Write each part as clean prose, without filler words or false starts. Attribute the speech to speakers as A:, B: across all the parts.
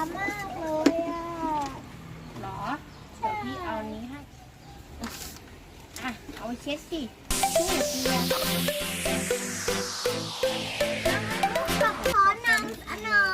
A: มากเลยอ่ะ
B: หรอเดี๋ยวพี่เอานี้ให้อ่ะเอาไปเช็ดสิช่วยเปียก
A: ขอนำอันหนอ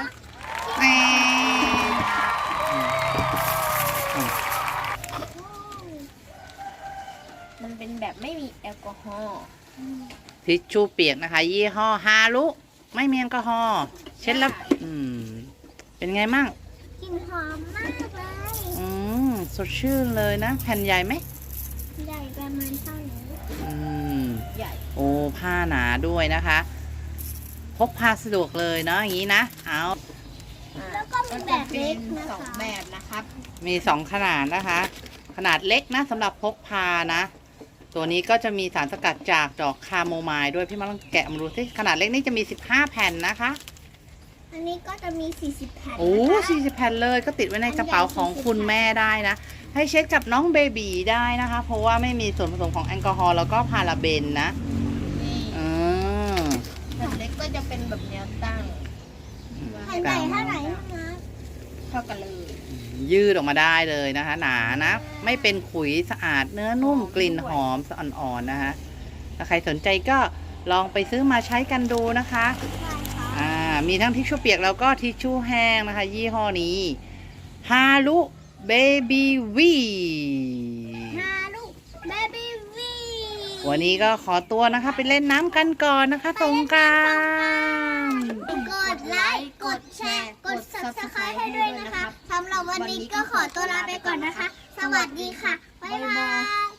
B: มันเป็นแบบไม่มีแอลกอฮอล์
C: ทิชชู่เปียกนะคะ ยี่ห้อฮารุไม่มีแอลกอฮอล์เช็ดแล้วเป็นไงมั่ง
A: กลิ่นหอมมากเลย
C: สดชื่นเลยนะ แผ่นใหญ่ไหม
A: ใหญ่ประมาณเท่านี้
B: ใหญ่
C: โอ้ผ้าหนาด้วยนะคะ พกพาสะดวกเลยเนาะอย่างนี้นะเอา
A: แล้วก็มีแบบเล็กนะ
B: สอง
A: คะ
B: แบบนะครับ
C: มี2ขนาดนะคะ ขนาดเล็กนะสำหรับพกพานะ ตัวนี้ก็จะมีสารสกัดจากดอกคาโมไมล์ด้วยพี่มาลองแกะมาดูสิขนาดเล็กนี่จะมี15แผ่นนะคะ
A: อันนี้ก็จะมี40แผ่น
C: โอ้
A: นะคะ
C: 40แผ่นเลยก็ติดไว้ในกระเป๋าของคุณแม่ได้นะ ให้เช็ดกับน้องเบบีได้นะคะ เพราะว่าไม่มีส่วนผสมของแอลกอฮอล์แล้วก็พาราเบนนะ
B: นี่
C: อืม
B: แผ่นเล็กก็จะเป็นแบบแนวตั้ง
A: แผ่นใหญ่เท่าไหร่นะ
B: เท่ากันเลย
C: ยืดออกมาได้เลยนะคะ หนานะ ไม่เป็นขุยสะอาดเนื้อนุ่มกลิ่นหอมอ่อนๆนะคะถ้าใครสนใจก็ลองไปซื้อมาใช้กันดูนะคะ
A: ใช่ค่ะ
C: มีทั้งทิชชู่เปียกแล้วก็ทิชชู่แห้งนะคะ ยี่ห้อนี้ฮารุเบบี้วี
A: ฮารุเบบี้วี
C: วันนี้ก็ขอตัวนะคะ ไปเล่นน้ำกันก่อนนะคะสงกรานต์
A: กดไลค์ กดแชร์ กด subscribe ให้ด้วยนะคะสำหรับวันนี้ก็ขอตัวลาไปก่อนนะคะ สวัสดีค่ะ บ๊ายบาย